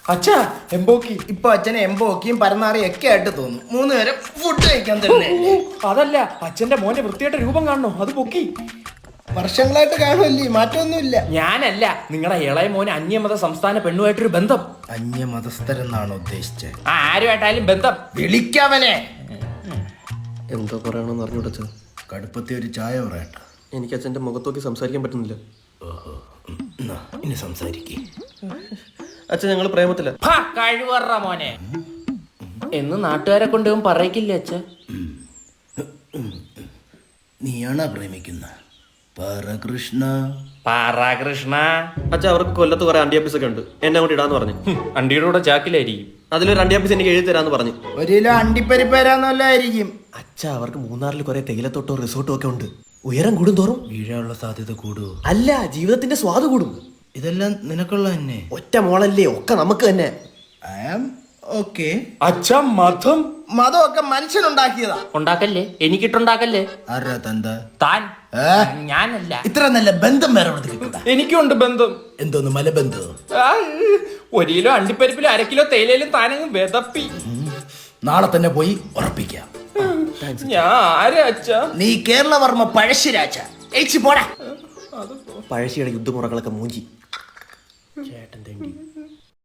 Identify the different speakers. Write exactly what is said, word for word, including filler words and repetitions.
Speaker 1: അച്ഛാ എംബോക്കി.
Speaker 2: ഇപ്പൊ അച്ഛനെ എംബോക്കിയും പരന്നാറിയും ഒക്കെ ആയിട്ട് തോന്നും. മൂന്ന് പേരും ഫുഡ് കഴിക്കാൻ തന്നെ.
Speaker 1: അതല്ല, അച്ഛന്റെ മോന്റെ വൃത്തിയായിട്ട് രൂപം കാണണോ? അത് പൊക്കി.
Speaker 2: വർഷങ്ങളായിട്ട് കാണുമല്ലേ, മാറ്റമൊന്നുമില്ല.
Speaker 1: ഞാനല്ല, നിങ്ങളെ ഇളയ മോന് അന്യമത സംസ്ഥാന പെണ്ണുമായിട്ടൊരു ബന്ധം.
Speaker 2: അന്യമതസ്ഥരെന്നാണോ ഉദ്ദേശിച്ചത്?
Speaker 1: ആ ആരുമായിട്ടായാലും ബന്ധം.
Speaker 2: വിളിക്കവനെ.
Speaker 3: എന്തോ പറയണമെന്ന് അറിഞ്ഞൂടച്ച.
Speaker 2: കടുപ്പത്തി ഒരു ചായ പറയട്ടെ.
Speaker 3: എനിക്ക് അച്ഛൻ്റെ മുഖത്തോക്കി സംസാരിക്കാൻ പറ്റുന്നില്ല.
Speaker 2: ഓഹോ, ഇനി സംസാരിക്കേ.
Speaker 3: അച്ഛൻ ഞങ്ങൾ പ്രേമത്തില്ല.
Speaker 1: കഴിവറ മോനെ എന്ന് നാട്ടുകാരെ കൊണ്ട് പറയിക്കില്ല അച്ഛ.
Speaker 2: നീയാണോ പ്രേമിക്കുന്ന? പരകൃഷ്ണ
Speaker 1: പാറാകൃഷ്ണ.
Speaker 3: അച്ഛ അവർക്ക് കൊല്ലത്ത് കുറെ അണ്ടിയാപ്പീസ് ഒക്കെ ഉണ്ട്, എന്നെ കൂടി ഇടാന്ന് പറഞ്ഞു.
Speaker 1: അണ്ടിയുടെ കൂടെ ചാക്കിലായിരിക്കും.
Speaker 3: അതിലൊരു അണ്ടിയാപ്പീസ് എനിക്ക് എഴുതി തരാന്ന് പറഞ്ഞു.
Speaker 2: ഒരു കിലോ അണ്ടിപ്പരിപ്പ് തരാന്നല്ലായിരിക്കും.
Speaker 3: അച്ഛ അവർക്ക് മൂന്നാറിൽ കുറെ തേയിലത്തോട്ടോ റിസോർട്ടും ഒക്കെ ഉണ്ട്. ഉയരം കൂടും തോറും
Speaker 2: വീഴാനുള്ള സാധ്യത കൂടുവോ?
Speaker 3: അല്ല, ജീവിതത്തിന്റെ സ്വാദ് കൂടും.
Speaker 2: ഇതെല്ലാം നിനക്കുള്ള തന്നെ.
Speaker 3: ഒറ്റ മോളല്ലേ, ഒക്കെ നമുക്ക് തന്നെ.
Speaker 2: I am okay.
Speaker 1: അച്ഛ മതം
Speaker 2: മതമൊക്കെ മനുഷ്യനുണ്ടാക്കിയതാ.
Speaker 1: ഉണ്ടാക്കല്ലേ, എനിക്കിട്ടുണ്ടാക്കല്ലേ.
Speaker 2: ആരാ തന്ത?
Speaker 1: താൻ. ഞാനല്ല.
Speaker 2: ഇത്ര നല്ല ബന്ധം വേറെ എവിടെ കിട്ടൂടാ.
Speaker 1: എനിക്കുണ്ട് ബന്ധം.
Speaker 2: എന്തോന്ന് മലബന്ധം?
Speaker 1: ഒരു കിലോ അണ്ടിപ്പരിപ്പിലും അര കിലോ തേയിലയിലും താനങ്ങ് വിതപ്പി.
Speaker 2: നാളെ തന്നെ പോയി ഉറപ്പിക്കാം.
Speaker 1: ഞാൻ ആരാ അച്ഛ?
Speaker 2: നീ കേരളവർമ്മ പഴശ്ശിരാജ. പോടാ.
Speaker 3: പഴശ്ശിയുടെ യുദ്ധമുറകളൊക്കെ മൂഞ്ചി.
Speaker 2: ചേട്ടൻ തേണ്ടി